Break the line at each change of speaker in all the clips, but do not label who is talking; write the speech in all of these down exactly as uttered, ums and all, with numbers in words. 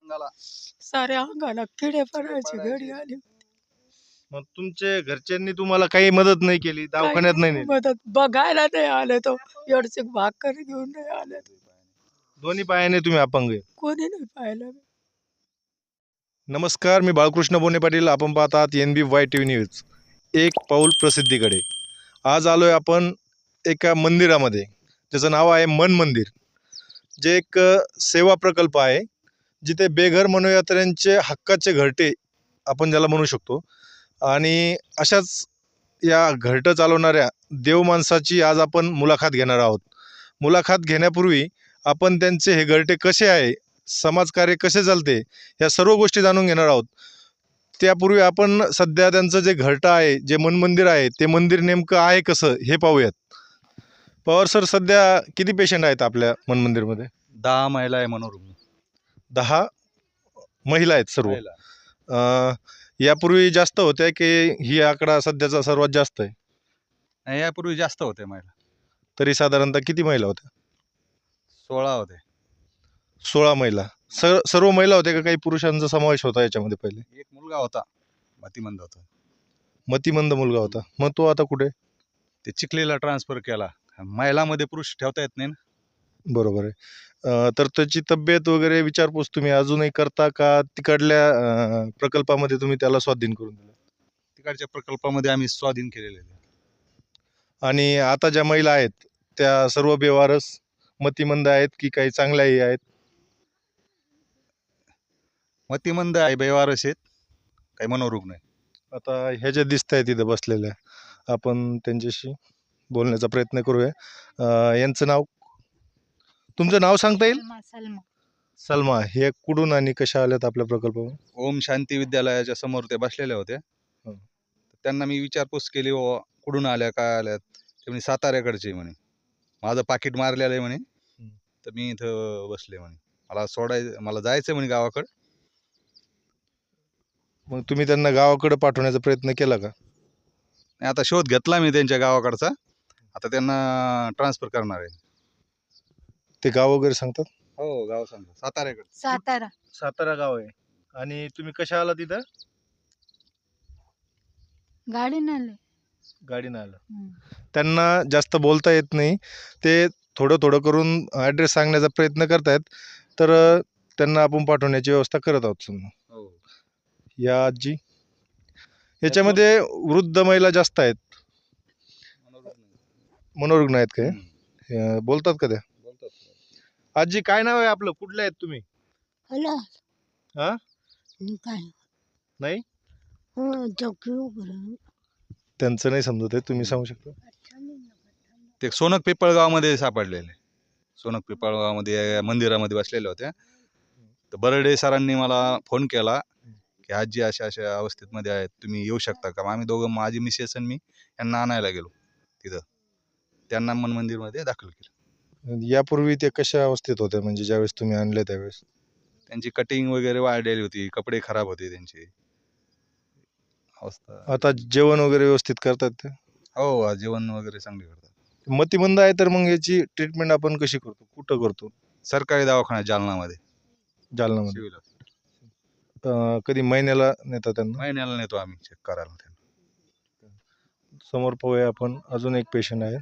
अंगाला
साऱ्या अंगाला किडे पडायचे
पडायचे.
घडी आली.
मग तुमचे घरच्यांनी तुम्हाला काही मदत नाही केली, दवाखान्यात नाही
काही
नेलं?
मदत बघायला नाही आले तो एवढचे भाकर घेऊन नाही आले
दोन्ही पायाने तुम्ही अपंग आहे.
कोणी नाही पाहिलं.
नमस्कार, मी बाळकृष्ण बोने पाटील. आपण पाहतात N B Y T V news. एक पाऊल प्रसिद्धीकडे. आज आलोय आपण एका मंदिरामध्ये, ज्याचं नाव आहे मन मंदिर. जे एक अ, सेवा प्रकल्प आहे, जिथे बेघर मनोयात्र्यांचे हक्काचे घरटे आपण ज्याला म्हणू शकतो. आणि अशाच या घरटं चालवणाऱ्या देव माणसाची आज आपण मुलाखत घेणार आहोत. मुलाखत घेण्यापूर्वी आपण त्यांचे हे घरटे कसे आहे, समाजकार्य कसे चालते, या सर्व गोष्टी जाणून घेणार आहोत. त्यापूर्वी आपण सध्या त्यांचं जे घरटं आहे, जे मन मंदिर आहे, ते मंदिर नेमकं आहे कसं हे पाहूयात. पवार सर, सध्या किती पेशंट आहेत आपल्या मन मंदिरमध्ये?
दहा महिला आहे मनोरुग्ण.
दहा महिला आहेत सर्व.
महिला.
अ, यापूर्वी जास्त होत्या की ही आकडा सध्याचा सर्वात जास्त आहे?
नाही, यापूर्वी जास्त होते महिला.
तरी साधारणतः किती महिला होत्या?
सोळा होते.
सोळा महिला. सर सर्व महिला होत्या का काही पुरुषांचा समावेश होता याच्यामध्ये पहिले?
एक मुलगा होता, मतिमंद होता.
मतिमंद मुलगा होता. मग तो आता कुठे?
ते चिखलीला ट्रान्सफर केला. महिलामध्ये पुरुष ठेवता येत नाही ना.
बरोबर आहे. अ, तर त्याची तब्येत वगैरे विचारपूस तुम्ही अजूनही करता का? तिकडल्या अ, प्रकल्पामध्ये तुम्ही त्याला स्वाधीन करून दिलं?
तिकडच्या प्रकल्पामध्ये आम्ही स्वाधीन केलेले आहे.
आणि आता ज्या महिला आहेत त्या सर्व बेवारस मतिमंद आहेत की काही चांगल्याही आहेत?
मतिमंद आहे, बेवारस आहेत, काही मनोरुग्ण आहे.
आता ह्या ज्या दिसत आहेत तिथं बसलेल्या, आपण त्यांच्याशी बोलण्याचा प्रयत्न करूया. अ, यांचं नाव, तुमचं नाव सांगता येईल?
सलमा सलमा
सलमा. हे कुठून आणि कशा आल्यात आपल्या प्रकल्पावर?
ओम शांती विद्यालयाच्या समोर ते बसलेले होते.
हं.
त्यांना मी विचारपूस केली, "ओ कुठून आल्या, काय आल्यात?" ते म्हणे साताऱ्याकडचे म्हणे. माझं पाकिट मारलेलं आहे म्हणे. तर मी इथं बसले म्हणे. मला सोडायचं, मला जायचं म्हणे गावाकडं.
मग तुम्ही त्यांना गावाकडे पाठवण्याचा प्रयत्न केला का?
आणि आता शोध घेतला मी त्यांच्या गावाकडचा. आता त्यांना ट्रान्सफर करणार आहे.
ते गाव वगैरे सांगतात?
हो, गाव सांगतो, साताऱ्याकडे.
सातारा
सातारा गाव आहे. आणि तुम्ही कशा आला तिथं?
गाडीनं आले.
गाडीनं आलं.
हम्म.
त्यांना जास्त बोलता येत नाही, ते थोडं थोडं करून ॲड्रेस सांगण्याचा प्रयत्न करतायत. तर अ, त्यांना आपण पाठवण्याची व्यवस्था करत आहोत समजा.
हो.
या आजी, याच्यामध्ये वृद्ध महिला जास्त आहेत, मनोरुग्ण आहेत काय?
हम्म.
अ, बोलतात का त्या?
बोलतात.
आजी, काय नाव आहे आपलं, कुठले आहेत तुम्ही?
हॅलो
हा?
काय
नाही,
हो चौकी उघड
त्यांचं नाही समजत आहे, तुम्ही सांगू शकता?
ते सोनक पिपळगावमध्ये सापडलेले. सोनक पिपळगावमध्ये मंदिरामध्ये बसलेले होते. तर बर्डे सरांनी मला फोन केला की आजी अशा अशा अवस्थेमध्ये आहेत, तुम्ही येऊ शकता का? मग आम्ही दोघं, माझी मिसेस आणि मी, यांना आणायला गेलो तिथं. त्यांना मन मंदिरमध्ये दाखल केलं.
यापूर्वी ते कशा अवस्थेत होत्या, म्हणजे ज्यावेळेस तुम्ही आणले त्यावेळेस?
त्यांची कटिंग वगैरे वाढलेली होती, कपडे खराब होते त्यांचे. अवस्था.
आता जेवण वगैरे व्यवस्थित करतात ते?
हो, जेवण वगैरे चांगले करतात.
मतिमंद आहे तर मग याची ट्रीटमेंट आपण कशी करतो, कुठं करतो?
सरकारी दवाखान्यात जालनामध्ये.
जालनामध्ये.
सिव्हिल.
अ, कधी महिन्याला नेता त्यांना?
महिन्याला नेतो आम्ही चेक करायला त्यांना.
समोर पाहूया आपण, अजून एक पेशंट आहे.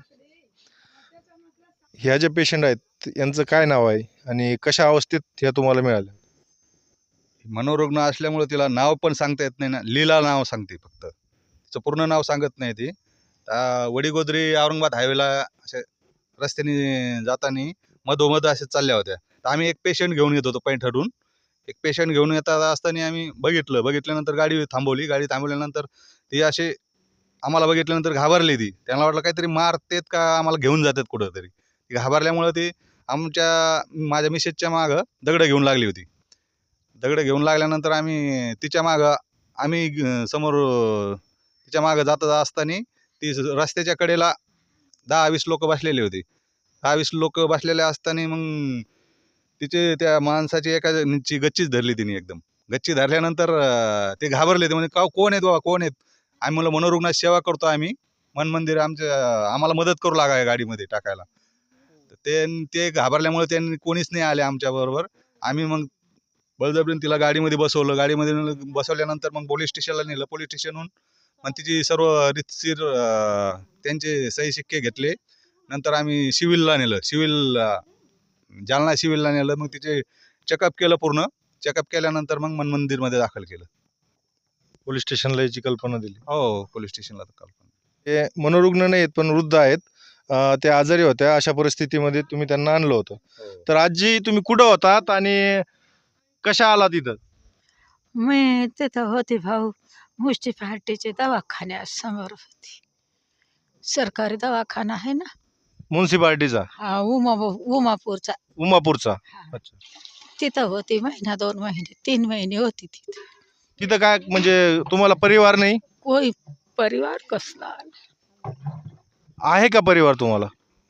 ह्या ज्या पेशंट आहेत यांचं काय नाव आहे आणि कशा अवस्थेत ह्या तुम्हाला मिळाल्या?
मनोरुग्ण असल्यामुळे तिला नाव पण सांगता येत नाही ना. लीला नाव सांगते फक्त, तिचं पूर्ण नाव सांगत नाही ती. आ, वडीगोद्री औरंगाबाद हायवेला असे रस्त्याने जाताना मधोमध असे चालल्या होत्या. तर आम्ही एक पेशंट घेऊन येत होतो पैठणहून. एक पेशंट घेऊन येत असताना आम्ही बघितलं. बघितल्यानंतर गाडी थांबवली. गाडी थांबवल्यानंतर ती असे आम्हाला बघितल्यानंतर घाबरली ती. त्यांना वाटलं काहीतरी मारतेत का आम्हाला घेऊन जातात कुठंतरी. ती घाबरल्यामुळं ती आमच्या, माझ्या मिसेसच्या मागं दगडं घेऊन लागली होती. दगडं घेऊन लागल्यानंतर आम्ही तिच्या मागं, आम्ही अं, समोर अं, तिच्या मागं जात असताना ती रस्त्याच्या कडेला दहा वीस लोक बसलेली होती. दहा वीस लोक बसलेले असताना मग तिचे, त्या माणसाची एकाची गच्चीच धरली तिने एकदम. गच्ची धरल्यानंतर अं, ते घाबरले. ते म्हणजे का, कोण आहेत बाबा, कोण आहेत? आम्ही म्हणलं मनोरुग्णाची सेवा करतो आम्ही, मन मंदिर आमच्या, आम्हाला मदत करू लागाय गाडीमध्ये टाकायला. तर ते ते घाबरल्यामुळे त्यांनी कोणीच नाही आले आमच्याबरोबर. आम्ही मग बळजबरीने तिला गाडीमध्ये बसवलं. गाडीमध्ये नेलं- बसवल्यानंतर मग पोलीस स्टेशनला नेलं. पोलीस स्टेशनहून मग तिची सर्व रीतशीर अं, त्यांचे सही शिक्के घेतले. नंतर आम्ही सिव्हिलला नेलं. सिव्हिल जालना सिव्हिलला नेलं. मग तिचे चेकअप केलं पूर्ण. चेकअप केल्यानंतर मग मन मंदिरमध्ये दाखल केलं.
पोलीस स्टेशनला याची कल्पना दिली.
हो, पोलीस स्टेशनला दाखल.
ते मनोरुग्ण नाहीत पण वृद्ध आहेत. अं, ते आजारी होत्या. अशा परिस्थितीमध्ये तुम्ही त्यांना आणलं होतं. तर आजी तुम्ही कुठं होतात आणि कशा आलात इथं?
मी तिथं होती भाऊ मुष्टीपार्टीचे दवाखान्यासमोर होती. सरकारी दवाखाना आहे ना,
म्युन्सिपाल्टीचा,
हा उमा उमापूरचा.
उमापूरचा.
हा.
अच्छा.
तिथं होती महिना दोन महिने तीन महिने होती तिथे.
तिथं काय म्हणजे तुम्हाला परिवार नाही
कोई परिवार कसला
आहे का? परिवार तुम्हाला?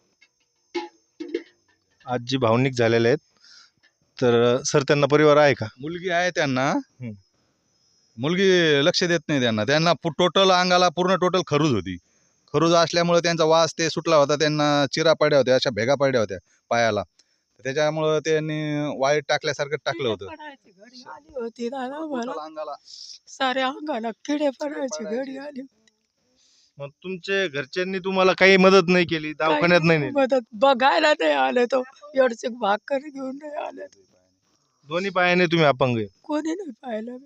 आजी भावनिक झालेले आहेत. तर सर त्यांना परिवार आहे का?
मुलगी आहे त्यांना. मुलगी लक्ष देत नाही त्यांना. त्यांना टोटल अंगाला पूर्ण टोटल खरूज होती. खरूज असल्यामुळे त्यांचा वास ते सुटला होता. त्यांना चिरा पडल्या होत्या, अशा भेगा पडल्या होत्या पायाला. त्याच्यामुळं त्यांनी वाईट टाकल्यासारखं टाकलं होतं.
पडायची घडी आली होती दादा मला.
टोटल अंगाला
साऱ्या अंगाला किडे पडायची घडी आली.
मग तुमचे घरच्यांनी तुम्हाला काही मदत नाही केली, दवाखान्यात नाही नेलं?
मदत बघायला नाही आले तो एवढचे भाकर घेऊन नाही आले.
दोन्ही पायाने तुम्ही अपंग आहे.
कोणी नाही पाहिलं.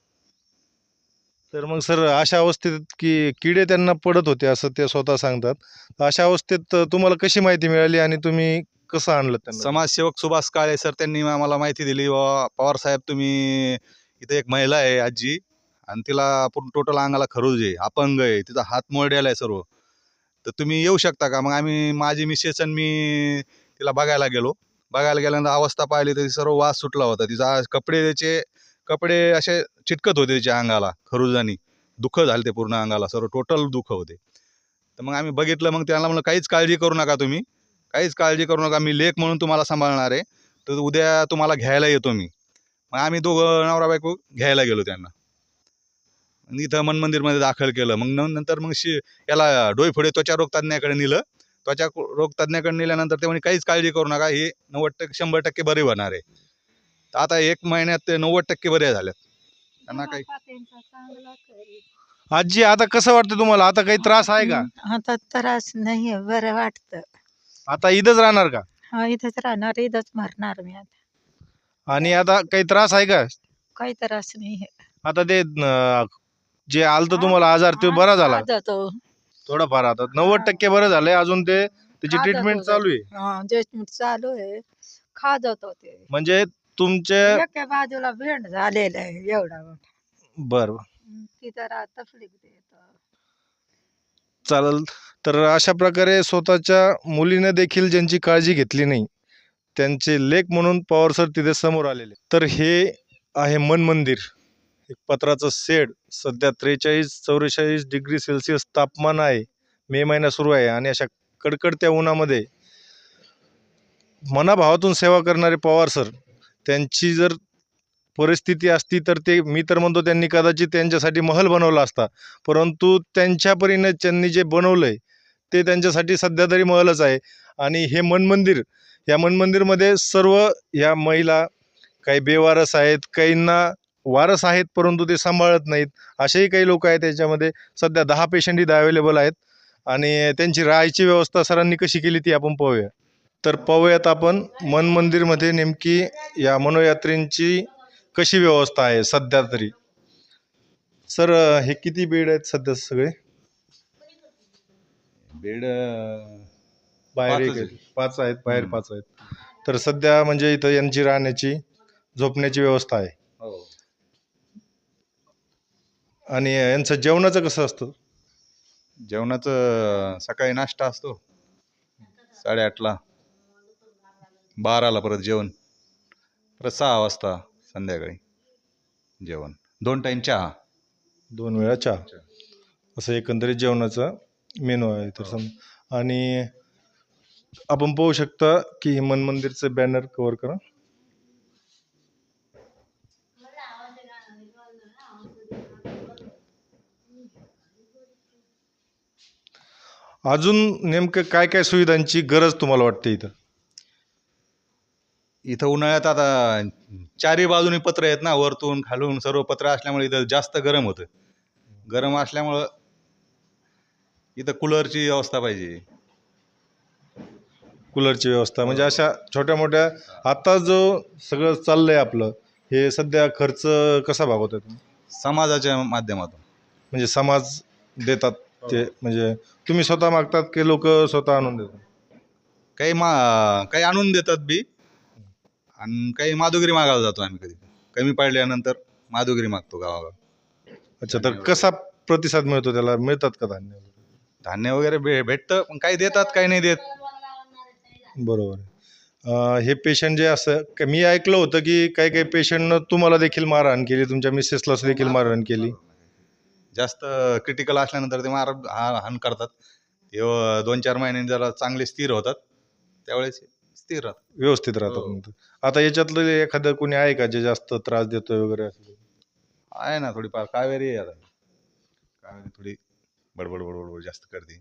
तर मग सर अशा अवस्थेत की किडे त्यांना पडत होते असं ते स्वतः सांगतात. तर अशा अवस्थेत तुम्हाला कशी माहिती मिळाली आणि तुम्ही कसं आणलं त्यांना?
समाजसेवक सुभाष काळे सर त्यांनी आम्हाला माहिती दिली. व पवार साहेब तुम्ही इथे एक महिला आहे आजी आणि तिला पूर्ण टोटल अंगाला खरूज आहे, अपंग आहे, तिचा हात मोडलेला आहे सर्व. तर तुम्ही येऊ शकता का? मग आम्ही माझी मिसेस आणि मी तिला बघायला गेलो. बघायला गेल्यानंतर अवस्था पाहिली तर सर्व वास सुटला होता. तिचा कपडे त्याचे कपडे असे चिटकत होते तिच्या अंगाला खरुजानी. दुःख झाले ते पूर्ण अंगाला सर्व टोटल दुःख होते. तर मग आम्ही बघितलं. मग त्यांना म्हणलं काहीच काळजी करू नका तुम्ही, काहीच काळजी करू नका. मी लेक म्हणून तुम्हाला सांभाळणार आहे. तर उद्या तुम्हाला घ्यायला येतो मी. मग आम्ही दोघं नवरा बायको घ्यायला गेलो त्यांना. इथं मन मंदिरमध्ये दाखल केलं. मग न- नंतर मग शि याला डोईफोडे त्वचा रोग तज्ज्ञाकडे नेलं. त्वचा रोग तज्ज्ञाकडे नेल्यानंतर ते म्हणे काहीच काळजी करू नका, हे नव्वद टक्के शंभर टक्के बरे होणार आहे. तर आता एक महिन्यात ते नव्वद टक्के बरे झालेत. त्यांना काही
आजी आता कसं वाटतं तुम्हाला? आता काही त्रास आहे का?
आता त्रास नाही बरं वाटतं.
आता इथंच राहणार का?
हा इथंच राहणार, इथंच मरणार मी आता.
आणि आता काही त्रास आहे का?
काही त्रास नाही.
आता ते अं, जे आलतं तुम्हाला आजार ते बरा झाला
जातो
थोडाफार? आता नव्वद टक्के बरं झालंय. अजून ते त्याची
खा
ट्रीटमेंट
जातो.
चालू आहे.
हा ट्रीटमेंट चालू आहे. खा जातो ते.
म्हणजे तुमचे
एका बाजूला भेंड झालेलं आहे एवढा मोठा.
बरं
ती जरा तकलीफ देत.
चालेल. तर अशा प्रकारे स्वतःच्या मुलीने देखील ज्यांची काळजी घेतली नाही, त्यांचे लेख म्हणून पवार सर तिथे समोर आलेले. तर हे आहे मन मंदिर. एक पत्राचं शेड. सध्या त्रेचाळीस चौवेचाळीस डिग्री सेल्सिअस तापमान आहे. मे महिना सुरू आहे आणि अशा कडकडत्या उन्हामध्ये मनाभावातून सेवा करणारे पवार सर, त्यांची जर परिस्थिती असती तर ते मी तर म्हणतो त्यांनी कदाचित त्यांच्यासाठी महल बनवला असता. परंतु त्यांच्या परीने त्यांनी जे बनवलं आहे ते त्यांच्यासाठी सध्या तरी महलच आहे. आणि हे मन मंदिर, या मन मंदिरमध्ये सर्व ह्या महिला, काही बेवारस आहेत, काहींना वारस आहेत परंतु ते सांभाळत नाहीत, असेही काही लोक आहेत. त्याच्यामध्ये सध्या दहा पेशंट इथं अवेलेबल आहेत आणि त्यांची राहायची व्यवस्था सरांनी कशी केली ती आपण पाहूया. तर पाहूयात आपण मन मंदिरमध्ये नेमकी या मनोयात्रींची कशी व्यवस्था आहे सध्या तरी. सर हे किती बेड आहेत सध्या? सगळे
बेड
बाहेर एक
पाचच
आहेत, पाच आहेत, बाहेर
हम्म.
पाच आहेत. तर सध्या म्हणजे इथं यांची राहण्याची, झोपण्याची व्यवस्था आहे.
हो.
आणि यांचं जेवणाचं कसं असतं?
जेवणाचं सकाळी नाश्ता असतो साडेआठला, बाराला परत जेवण, परत सहा वाजता संध्याकाळी जेवण, दोन टाईम चहा.
दोन वेळा चहा, असं एकंदरीत जेवणाचा मेनू आहे. तर सम आणि आपण पाहू शकता की हे मन मंदिरचं बॅनर कव्हर करा. अजून नेमकं काय काय सुविधांची गरज तुम्हाला वाटते इथं?
इथं उन्हाळ्यात आता चारी बाजूनी पत्र आहेत ना, वरतून खालून सर्व पत्र असल्यामुळे इथं जास्त गरम होतं. गरम असल्यामुळं इथं कूलरची व्यवस्था पाहिजे.
कूलरची व्यवस्था म्हणजे अशा छोट्या मोठ्या आता जो सगळं चाललंय आपलं हे सध्या खर्च कसा भागवता तुम्ही?
समाजाच्या माध्यमातून.
म्हणजे समाज देतात ते म्हणजे तुम्ही स्वतः मागतात की लोक स्वतः आणून देतात?
काही मा काही आणून देतात बी आणि काही माधुगिरी मागायला जातो आम्ही. कधी कमी पडल्यानंतर माधुगिरी मागतो गावागाव.
अच्छा, तर कसा प्रतिसाद मिळतो त्याला? मिळतात का धान्य?
धान्य वगैरे भे भेटतं पण काही देतात काही नाही देत.
बरोबर आहे. अं, हे पेशंट जे असं क- मी ऐकलं होतं की काही काही पेशंटनं तुम्हाला देखील मारहाण केली, तुमच्या मिसेसला देखील मारहाण केली.
जास्त क्रिटिकल असल्यानंतर ते मार हा- हाण करतात. ते अं, दोन चार महिन्यांनी जरा चांगले स्थिर होतात त्यावेळेस स्थिर राहतात.
व्यवस्थित राहतात
हो.
म्हणतो. आता याच्यातलं एखादं कोणी आहे का जे जास्त त्रास देतोय वगैरे असं?
आहे ना थोडीफार कावेरी आहे आता. कावेरी थोडी बडबड बडबड जास्त करते.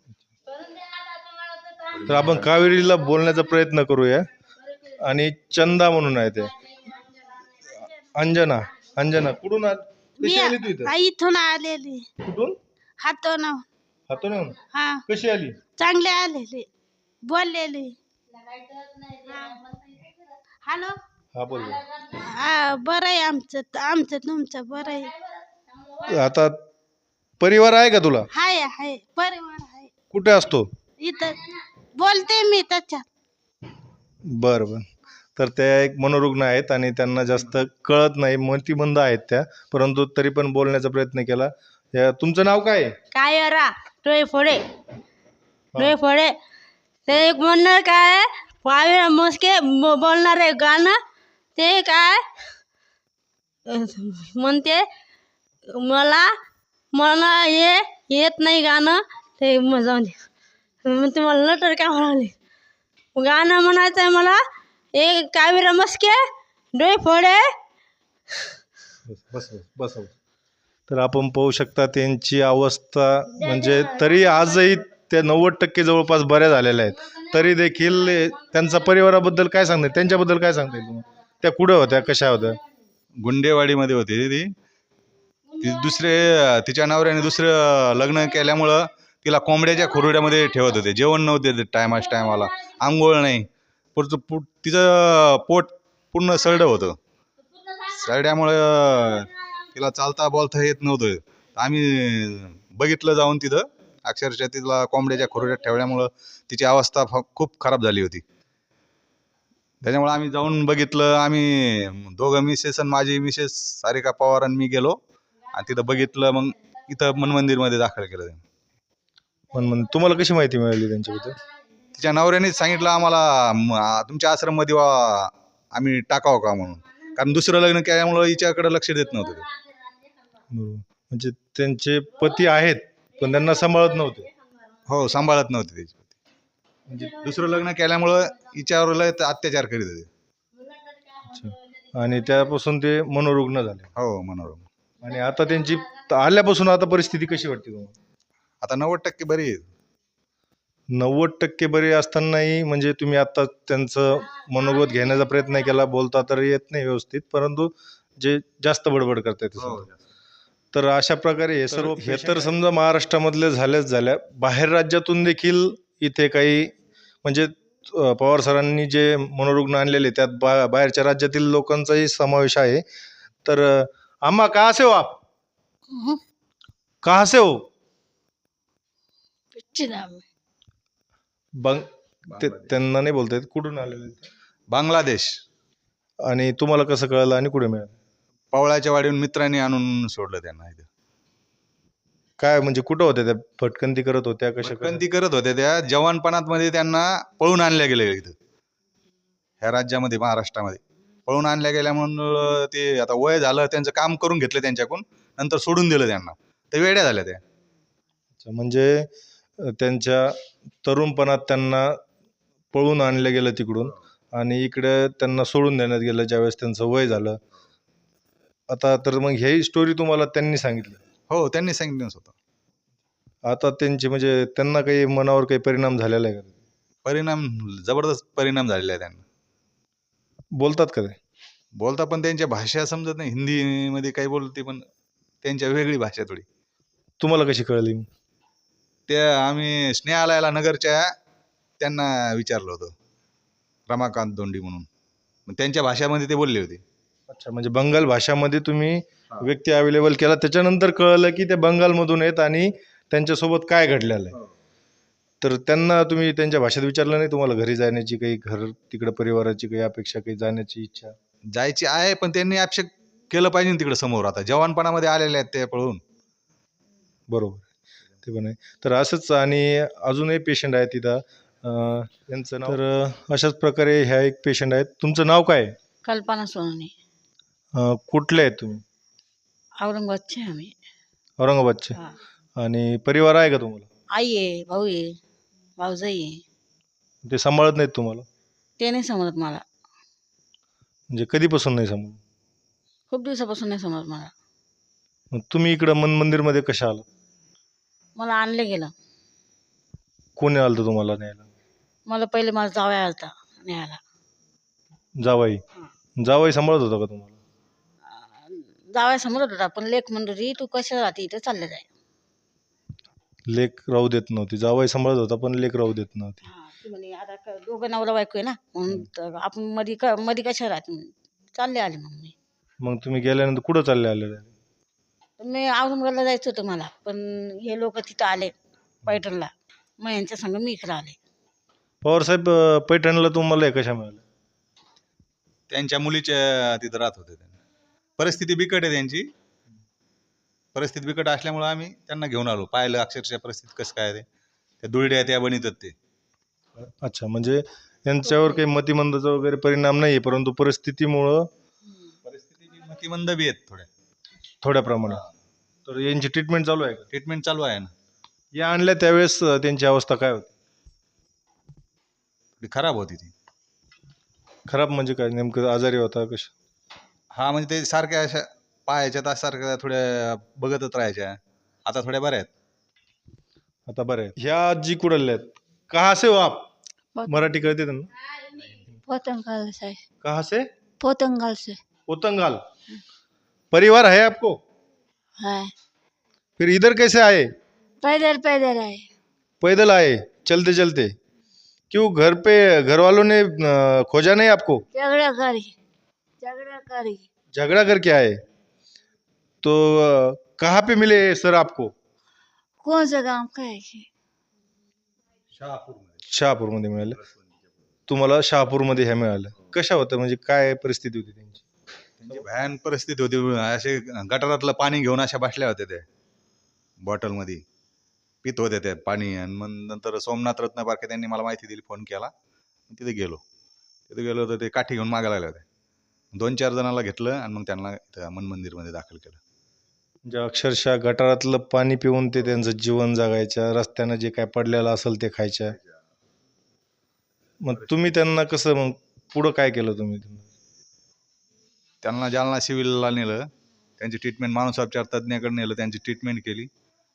तर आपण कावेरीला बोलण्याचा प्रयत्न करूया. आणि चंदा म्हणून आहे ते. अंजना, अंजना कुठून आली? कशी आली तू इथं?
आई इथून आलेली
कुठून?
हातून
हातून येऊन?
हा
कशी आली?
चांगले आलेले बोललेले. हॅलो
हा बोल.
हा बरं आहे आमचं आमचं तुमचं बरं आहे.
आता परिवार आहे का तुला?
हाय हाय परिवार आहे
कुठे असतो?
इथं बोलते मी त्याच्यात.
बरं बरं. तर त्या एक मनोरुग्ण आहेत आणि त्यांना जास्त कळत नाही, मतिमंद आहेत त्या, परंतु तरी पण बोलण्याचा प्रयत्न केला. या तुमचं नाव काय आहे?
काय रा डोळे फोडे डोळे फोडे ते एक म्हणणार काय पावे मस्के बोलणार आहे गाणं ते काय म्हणते मला मला हे येत नाही गाणं ते मजा मग तुम्हाला नटर काय म्हणाले गाणं म्हणायचं आहे मला एक कावेरा मस्के डोळे फोडे.
बस बस. तर आपण पाहू शकता त्यांची अवस्था म्हणजे तरी आजही त्या नव्वद टक्के जवळपास बऱ्या झालेल्या आहेत. तरी देखील त्यांचा परिवाराबद्दल काय सांगता येईल? त्यांच्याबद्दल काय सांगता येईल तुम्हाला? त्या कुठं होत्या, कशा होत्या?
गुंडेवाडीमध्ये होती ती. ती दुसरे तिच्या नवऱ्याने दुसरं लग्न केल्यामुळं तिला कोंबड्याच्या खुरुड्यामध्ये ठेवत होते. जेवण नव्हते देत टायमाच टायमाला, आंघोळ नाही. पुढचं पोट तिचं पोट पूर्ण सरडं होतं. सरड्यामुळं तिला चालता बोलता येत नव्हतं. आम्ही बघितलं जाऊन तिथं अक्षरशः तिला कोंबड्याच्या खुरुड्यात ठेवल्यामुळं तिची अवस्था फ खूप खराब झाली होती. त्याच्यामुळे आम्ही जाऊन बघितलं. आम्ही दोघं मिसेस आणि माझी मिसेस सारिका पवार आणि मी गेलो आणि तिथं बघितलं. मग इथं मन मंदिरमध्ये दाखल केलं.
पण मग तुम्हाला कशी माहिती मिळाली त्यांच्याबद्दल?
तिच्या नवऱ्यानेच सांगितलं आम्हाला म, आ, तुमच्या आश्रममध्ये वा आम्ही टाकावं का म्हणून. कारण दुसरं लग्न केल्यामुळं हिच्याकडे लक्ष देत नव्हतं ते.
बरोबर. म्हणजे त्यांचे पती आहेत पण त्यांना सांभाळत नव्हते.
हो सांभाळत नव्हते त्याची. म्हणजे दुसरं लग्न केल्यामुळं हिच्यावर लय अत्याचार करीत होते.
अच्छा. आणि त्यापासून ते मनोरुग्ण झाले.
हो मनोरम.
आणि आता त्यांची आल्यापासून आता परिस्थिती कशी वाटते तुम्हाला?
आता नव्वद टक्के बरी आहे.
नव्वद टक्के बरे असतानाही म्हणजे तुम्ही आता त्यांचं मनोगत घेण्याचा प्रयत्न केला, बोलता तर येत नाही व्यवस्थित, परंतु जे जास्त बडबड करतायत. तर अशा प्रकारे हे सर्व हे तर समजा महाराष्ट्रामधले झाल्याच झाल्या, बाहेर राज्यातून देखील इथे काही म्हणजे अं, पवार सरांनी जे मनोरुग्ण आणलेले त्यात बा बाहेरच्या राज्यातील लोकांचाही समावेश आहे. तर अं, आम्हा कहाँ से हो आप? कहाँ से हो? बंग ते त्यांना नाही बोलता येत. कुठून आलेले ते?
बांगलादेश.
आणि तुम्हाला कसं कळलं आणि कुठे मिळालं?
पवळ्याच्या वाडीहून मित्रांनी आणून सोडलं त्यांना इथं.
काय म्हणजे कुठं होत्या त्या? भटकंती करत होत्या कशा?
भटकंती करत होत्या त्या. जवानपणात मध्ये त्यांना पळून आणल्या गेले इथं ह्या राज्यामध्ये महाराष्ट्रामध्ये पळून आणल्या गेल्या म्हणून ते आता वय झालं त्यांचं काम करून घेतलं त्यांच्याकडून, नंतर सोडून दिलं त्यांना. ते वेड्या झाल्या त्या.
अच्छा, म्हणजे अं, त्यांच्या तरुणपणात त्यांना पळून आणलं गेलं तिकडून आणि इकडे त्यांना सोडून देण्यात गेलं ज्यावेळेस त्यांचं वय झालं. आता तर मग ही स्टोरी तुम्हाला त्यांनी सांगितली?
हो त्यांनी सांगितलं होतं.
आता त्यांची म्हणजे त्यांना काही मनावर काही परिणाम झालेला आहे का?
परिणाम जबरदस्त परिणाम झालेला आहे त्यांना.
बोलतात का ते?
बोलता पण त्यांच्या भाषा समजत नाही, हिंदीमध्ये काही बोलते पण त्यांच्या वेगळी भाषा थोडी.
तुम्हाला कशी कळली?
त्या आम्ही स्नेहालयाला नगरच्या त्यांना विचारलं होतं, रमाकांत दोंडी म्हणून, मग त्यांच्या भाषामध्ये ते बोलले होते.
अच्छा, म्हणजे बंगाल भाषामध्ये तुम्ही व्यक्ती अवेलेबल केला, त्याच्यानंतर कळलं की ते बंगालमधून आहेत आणि त्यांच्यासोबत काय घडलेलं आहे. तर त्यांना तुम्ही त्यांच्या भाषेत विचारलं नाही? तुम्हाला घरी जाण्याची काही, घर तिकडे परिवाराची काही अपेक्षा, काही जाण्याची इच्छा?
जायची आहे पण त्यांनी अपेक्षा केलं पाहिजे तिकडे समोर. आता जवानपणामध्ये आलेले आहेत ते पळून.
बरोबर, ते पण आहे. तर असंच आणि अजूनही पेशंट आहे तिथं, अं, त्यांचं नाव, तर अं, अशाच प्रकारे ह्या एक पेशंट आहेत. तुमचं नाव काय आहे?
कल्पना सोनवणे.
अं, कुठले आहेत तुम्ही?
औरंगाबादचे आहे आम्ही.
औरंगाबादचे.
हा.
आणि परिवार आहे का तुम्हाला?
आई आहे, भाऊ आहे, भाऊजाई आहे.
ते सांभाळत नाहीत तुम्हाला?
ते नाही समजत मला.
म्हणजे कधीपासून नाही सांभाळत?
खूप दिवसापासून नाही समजत मला.
मग तुम्ही इकडं मन मंदिरमध्ये कशा आला?
मला आणलं गेलं.
कोणी आलं होतं तुम्हाला न्यायला?
मला पहिले माझा जावया आलता न्यायला.
जावाई? जावाई सांभाळत होता का तुम्हाला?
जावया समजत होता पण लेख म्हणतो तू कशा राहते इथे चालले जाय.
लेक राहू देत नव्हती. जावाई सांभाळत होता पण लेक राहू देत नव्हती.
हा, ती म्हणे आता क- दोघं नवरा बायको आहे ना, म्हणून तर आपण मध्ये क मध्ये कशा राहते म्हणून चालले आले मग मी.
मग तुम्ही गेल्यानंतर कुठं चालले आलेले?
तर मी औरंगाबादला जायचं होतं मला, पण हे लोक तिथं आले पैठणला, मग यांच्या संग मी इकडं आले.
पवारसाहेब, अं, पैठणला तुम्हाला हे कशा मिळाल्या?
त्यांच्या मुलीच्या तिथं राहत होते. त्यांना परिस्थिती बिकट आहे त्यांची. परिस्थिती बिकट असल्यामुळे आम्ही त्यांना घेऊन आलो. पाहिलं अक्षरशः परिस्थिती कसं काय ते. त्या दुरड्या त्या बनवतात ते.
अच्छा, म्हणजे यांच्यावर काही मतिमंदाचा वगैरे परिणाम नाही आहे, परंतु परिस्थितीमुळं
परिस्थितीची मतिमंद बी आहेत थोड्या.
थोड्या प्रमाणात. तर यांची ट्रीटमेंट चालू आहे का?
ट्रीटमेंट चालू आहे ना.
या आणल्या त्यावेळेस अं, त्यांची अवस्था काय होती?
थोडी खराब होती ती.
खराब म्हणजे काय, नेमकं आजारी होता कशा?
हा, म्हणजे ते सारख्या अशा पायाच्या तास सारख्या थोड्या बघतच राहायच्या. आता थोड्या बऱ्या आहेत.
आता बरं आहे. ह्या आजी कुठल्या आहेत? कहा से हो आप? मराठी कळते त्यांना?
पोतंगाल से.
कहा से?
पोतंगाल से
पोतंगाल. परिवार है आपको?
है.
फिर इधर कैसे आए?
पैदल पैदल आए.
पैदल आए, चलते चलते? क्यों, घर पे घर वालों ने अं, खोजा नहीं आपको?
झगड़ा करी झगड़ा करी
झगड़ा करके आए? तो अं, कहाँ पे मिले सर आपको?
कौन सा काम का है कि?
शहापूरमध्ये मिळालं. तुम्हाला शहापूरमध्ये ह्या मिळालं. कशा होत्या, म्हणजे काय परिस्थिती होती त्यांची?
त्यांची भयान परिस्थिती होती. असे गटारातलं पाणी घेऊन अशा बसल्या होत्या त्या बॉटलमध्ये पित होत्या त्या पाणी. आणि मग नंतर सोमनाथ रत्नपारखे त्यांनी मला माहिती दिली, फोन केला. तिथे गेलो. तिथे गेलो तर ते काठी घेऊन मागायला लागले होते. दोन चार जणांना घेतलं आणि मग त्यांना इथं मन मंदिरमध्ये दाखल केलं.
म्हणजे अक्षरशः गटारातलं पाणी पिऊन ते त्यांचं जीवन जगायच्या, रस्त्यानं जे काय पडलेलं असेल ते खायच्या. मग तुम्ही त्यांना कसं, मग पुढं काय केलं तुम्ही?
त्यांना जालना सिव्हिलला नेलं. त्यांची ट्रीटमेंट मानसोपचार तज्ज्ञाकडे नेलं. त्यांची ट्रीटमेंट केली.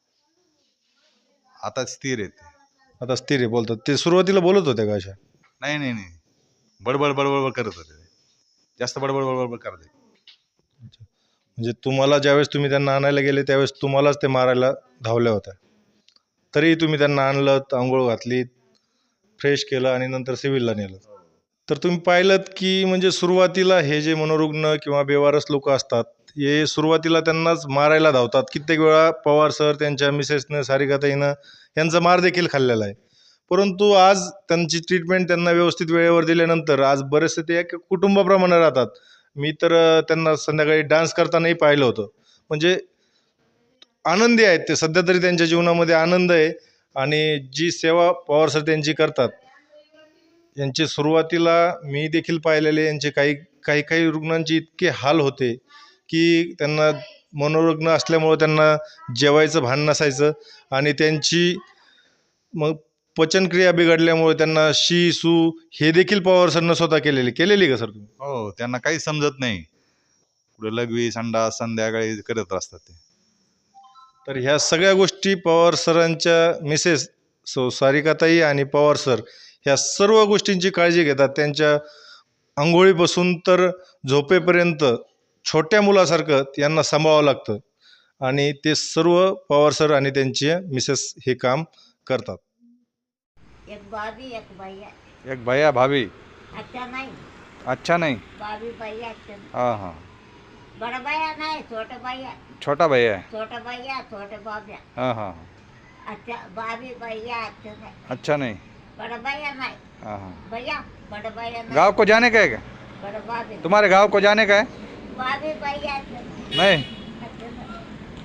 आता स्थिर आहेत.
आता स्थिर आहे बोलतात. ते सुरुवातीला बोलत होते का अशा?
नाही नाही नाही बडबड बडबड करत होते. जास्त बडबड बडबड करत होते.
म्हणजे तुम्हाला ज्यावेळेस तुम्ही त्यांना आणायला गेले त्यावेळेस तुम्हालाच ते मारायला धावल्या होत्या, तरी तुम्ही त्यांना आणलं, आंघोळ घातली, फ्रेश केलं आणि नंतर सिव्हिलला नेलं. तर तुम्ही पाहिलं की म्हणजे सुरुवातीला हे जे मनोरुग्ण किंवा बेवारस लोक असतात, हे सुरुवातीला त्यांनाच मारायला धावतात. कित्येक वेळा पवार सर, त्यांच्या मिसेसनं, सारिकाताईनं यांचा मार देखील खाल्लेला आहे. परंतु आज त्यांची ट्रीटमेंट त्यांना व्यवस्थित वेळेवर दिल्यानंतर आज बरेचसे ते एक कुटुंबाप्रमाणे राहतात. मी तर अं, त्यांना संध्याकाळी डान्स करतानाही पाहिलं होतं. म्हणजे आनंदी आहेत ते. सध्या तरी त्यांच्या जीवनामध्ये आनंद आहे. आणि जी सेवा पवार सर त्यांची करतात, यांची सुरुवातीला मी देखील पाहिलेले, यांचे काही काही काही रुग्णांचे इतके हाल होते की त्यांना मनोरुग्ण असल्यामुळं त्यांना जेवायचं भान नसायचं. आणि त्यांची मग पचनक्रिया बिघडल्यामुळे त्यांना शी सू हे देखील पवार सरनं स्वतः केलेली केलेली का सर तुम्ही?
हो, त्यांना काही समजत नाही. पुढे लघवी संडास संध्याकाळी करत असतात ते.
तर ह्या सगळ्या गोष्टी पवार सरांच्या मिसेस सो सारिकाताई आणि पवार सर ह्या सर्व गोष्टींची काळजी घेतात. त्यांच्या आंघोळीपासून तर झोपेपर्यंत छोट्या मुलासारखं यांना सांभाळावं लागतं आणि ते सर्व पवार सर आणि त्यांचे मिसेस हे काम करतात.
एक बाबी एक भैया
एक भैया भाभी
अच्छा नहीं
अच्छा नहीं.
बाबी भैया अच्छा नहीं.
हाँ हाँ.
बड़ा भैया नहीं छोटा भैया
छोटा भैया है.
छोटा भैया छोटे बाबिया
हाँ हाँ.
अच्छा बाबी भैया अच्छा नहीं.
अच्छा नहीं.
बड़ा भैया नहीं
हाँ हाँ.
भैया बड़ा भैया नहीं.
गांव को जाने का है क्या?
बड़ा बाबी
तुम्हारे गांव को जाने का है?
बाबी भैया अच्छा नहीं.
नहीं.
अच्छा नहीं.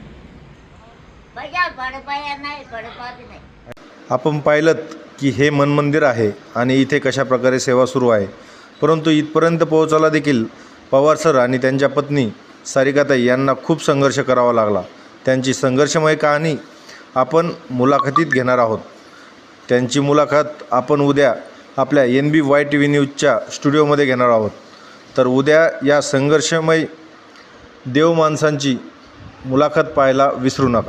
भैया बड़ा भैया नहीं बड़ा बाबी नहीं.
आपण पाहिलं की हे मन मंदिर आहे आणि इथे कशा प्रकारे सेवा सुरू आहे, परंतु इथपर्यंत पोहोचायला देखील पवार सर आणि त्यांच्या पत्नी सारिकाताई यांना खूप संघर्ष करावा लागला. त्यांची संघर्षमय कहाणी आपण मुलाखतीत घेणार आहोत. त्यांची मुलाखत आपण उद्या आपल्या N B Y T V न्यूजच्या स्टुडिओमध्ये घेणार आहोत. तर उद्या या संघर्षमय देव माणसांची मुलाखत पाहायला विसरू नका.